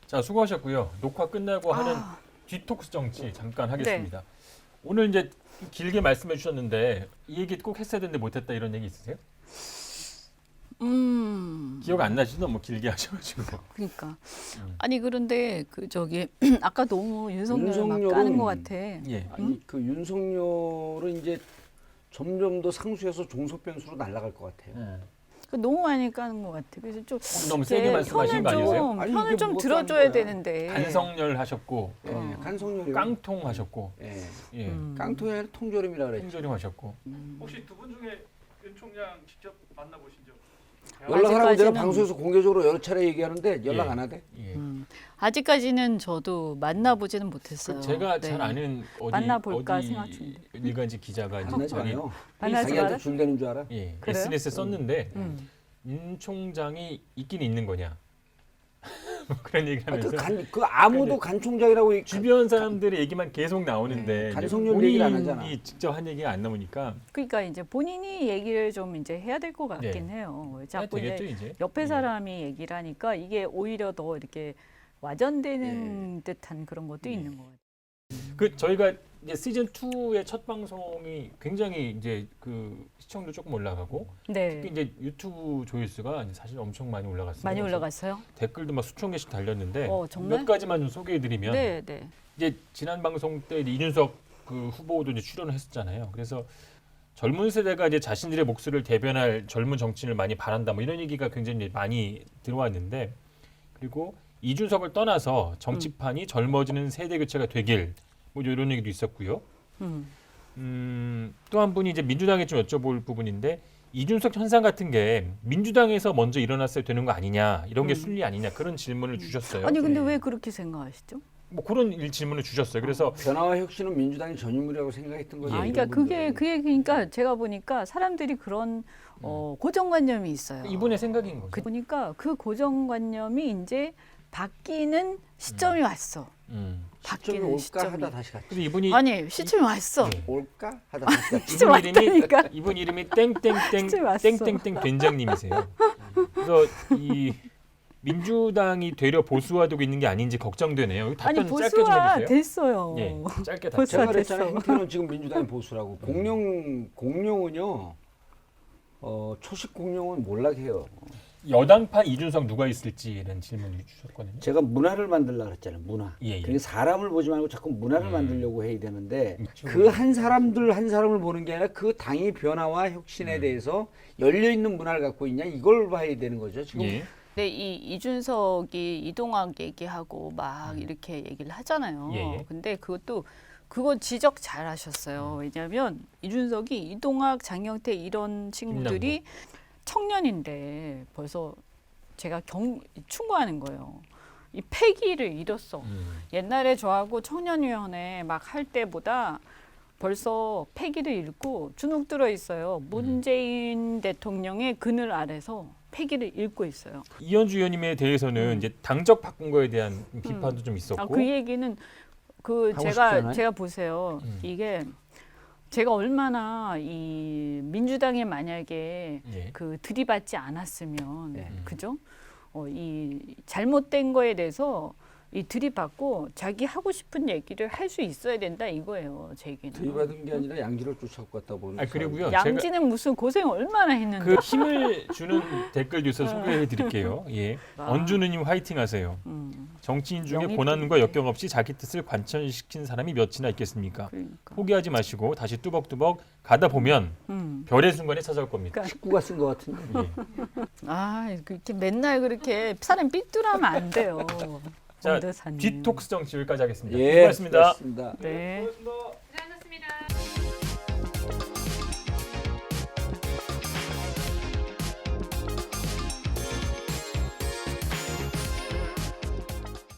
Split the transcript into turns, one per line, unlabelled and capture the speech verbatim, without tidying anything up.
자, 수고하셨고요. 녹화 끝나고 하는
아,
디톡스 정치 잠깐 하겠습니다. 오늘 이제 길게 말씀해 주셨는데 이 얘기 꼭 했어야 되는데 못했다 이런 얘기 있으세요?
음,
기억 안 나시죠? 너무 길게 하셔가지고.
그러니까
음.
아니 그런데 그 저기 아까 너무 윤석열 막
윤석열은-
까는 것 같아.
예.
아니 그 윤석열은 이제 점점 더 상수해서 종속변수로 날아갈 것 같아요.
음.
그 너무 많이 까는 것 같아. 그래서 좀
너무
이제
세게 말씀하신 거
편을
아니세요?
좀
아니,
편을
이게
좀
뭐가
들어줘야
까는 거야?
되는데.
간성열 하셨고
예,
어.
간성열이
깡통 하셨고
예,
예.
음.
깡통이 아니라 통조림이라 그랬죠.
통조림 하셨고
혹시 두 분 중에 윤 총장 직접 만나보신 적?
연락하라고 내가
아직까지는-
방송에서 공개적으로 여러 차례 얘기하는데 연락
예.
안 하대.
예.
음, 아직까지는 저도 만나보지는 못했어요.
그 제가
네.
잘 아는 어디
만나볼까
어디
생각 중인데.
일간지 기자가 이제
만나지
자기-
마요.
만나지
자기한테
마라?
줄 대는 줄 알아?
예,
그래요?
에스엔에스에 썼는데
음.
윤 총장이 있긴 있는 거냐 뭐 그런 얘기를
아,
하면서
그, 간, 그 아무도 간 총장이라고 얘기-
주변 사람들의 얘기만 계속 나오는데
네,
이제
간성률 얘기를 안 하잖아.
본인이 직접 한 얘기가 안 나오니까
그러니까 이제 본인이 얘기를 좀 이제 해야 될 것 같긴
네.
해요.
해야
자꾸
되겠죠
이제
이제.
옆에
예.
사람이 얘기를 하니까 이게 오히려 더 이렇게 와전되는 듯한 그런 것도
예.
있는 것 같아요.
그 저희가 이제 시즌 이의 첫 방송이 굉장히 이제 그 시청률 조금 올라가고
네,
특히 이제 유튜브 조회수가 이제 사실 엄청 많이 올라갔어요.
많이
그래서
올라갔어요.
댓글도 막 수천 개씩 달렸는데
어, 정말?
몇 가지만 좀 소개해드리면
네, 네.
이제 지난 방송 때 이제 이준석 그 후보도 이제 출연을 했었잖아요. 그래서 젊은 세대가 이제 자신들의 목소리를 대변할 젊은 정치인을 많이 바란다 뭐 이런 얘기가 굉장히 많이 들어왔는데 그리고 이준석을 떠나서 정치판이 젊어지는 세대 교체가 되길 뭐 이런 얘기도 있었고요.
음.
음, 또 한 분이 이제 민주당에 좀 여쭤볼 부분인데 이준석 현상 같은 게 민주당에서 먼저 일어났어야 되는 거 아니냐 이런 게
음.
순리 아니냐 그런 질문을 주셨어요.
아니 근데
네.
왜 그렇게 생각하시죠?
뭐 그런 일 질문을 주셨어요. 그래서
변화와 혁신은 민주당이 전유물이라고 생각했던 거죠.
아,
예.
그러니까
이런
그게
분들은.
그게 그러니까 제가 보니까 사람들이 그런 어, 고정관념이 있어요.
이분의 생각인 거죠.
그, 보니까 그 고정관념이 이제 바뀌는 시점이 왔어.
음.
시점이
바뀌는
올까
시점이.
하다 다시 갔지.
그래서 이분이
아니 시점이 왔어.
네.
올까 하다 다시 갔지.
시점
이분 이름이
왔다니까.
이분 이름이 땡땡땡
진짜 왔어.
땡땡땡 된장님이세요. 그래서 이 민주당이 되려 보수화되고 있는 게 아닌지 걱정되네요.
아니
답변 짧게 좀
보수화
해주세요.
됐어요.
예, 짧게
보수-
답변.
제가 그랬잖아요.
됐어.
행태는 지금 민주당이 보수라고. 공룡 공룡은요. 어, 초식 공룡은 몰락해요.
여당판 이준석 누가 있을지라는 질문을 주셨거든요.
제가 문화를 만들려고 그랬잖아요. 문화.
예, 예.
그러니까 사람을 보지 말고 자꾸 문화를
음.
만들려고 해야 되는데
그렇죠.
그 한 사람들 한 사람을 보는 게 아니라 그 당의 변화와 혁신에
음.
대해서 열려 있는 문화를 갖고 있냐 이걸 봐야 되는 거죠. 지금
예.
근데 이 이준석이 이동학 얘기하고 막 이렇게 얘기를 하잖아요.
음. 예, 예.
근데 그것도 그거 지적 잘 하셨어요. 왜냐하면 이준석이 이동학, 장경태 이런 친구들이 청년인데 벌써 제가 경 충고하는 거예요. 이 패기를 잃었어.
음.
옛날에 저하고 청년위원회 막 할 때보다 벌써 패기를 잃고 주눅 들어 있어요. 문재인 대통령의 그늘 아래서 패기를 잃고 있어요.
이현주 의원님에 대해서는
음.
이제 당적 바꾼 거에 대한 비판도 좀 있었고.
아, 그 얘기는 그
하고
제가
싶잖아요.
제가 보세요.
음.
이게 제가 얼마나 이 민주당에 만약에
예.
그 들이받지 않았으면
네.
그죠? 어, 이 잘못된 거에 대해서 이 들이받고 자기 하고 싶은 얘기를 할 수 있어야 된다 이거예요. 제 얘기는.
들이받은 게 아니라 양지를 쫓아갖고 갔다 보는.
아 그리고요.
양지는 무슨 고생 얼마나 했는데.
그 힘을 주는 댓글 뉴스 소개해 드릴게요. 예.
아.
언주누님 화이팅 하세요.
음,
정치인 중에
영입
고난과
때문에.
역경 없이 자기 뜻을 관철시킨 사람이 몇이나 있겠습니까?
그러니까.
포기하지 마시고 다시 뚜벅뚜벅 가다 보면
음.
별의 순간이 찾아올 겁니다.
식구가 쓴 것 같은데.
예.
아, 그렇게 맨날 그렇게 사람 삐뚤하면 안 돼요.
자,
엄대사님.
디톡스 정치 여기까지 하겠습니다.
예,
수고하셨습니다.
수고하셨습니다.
네.
고맙습니다.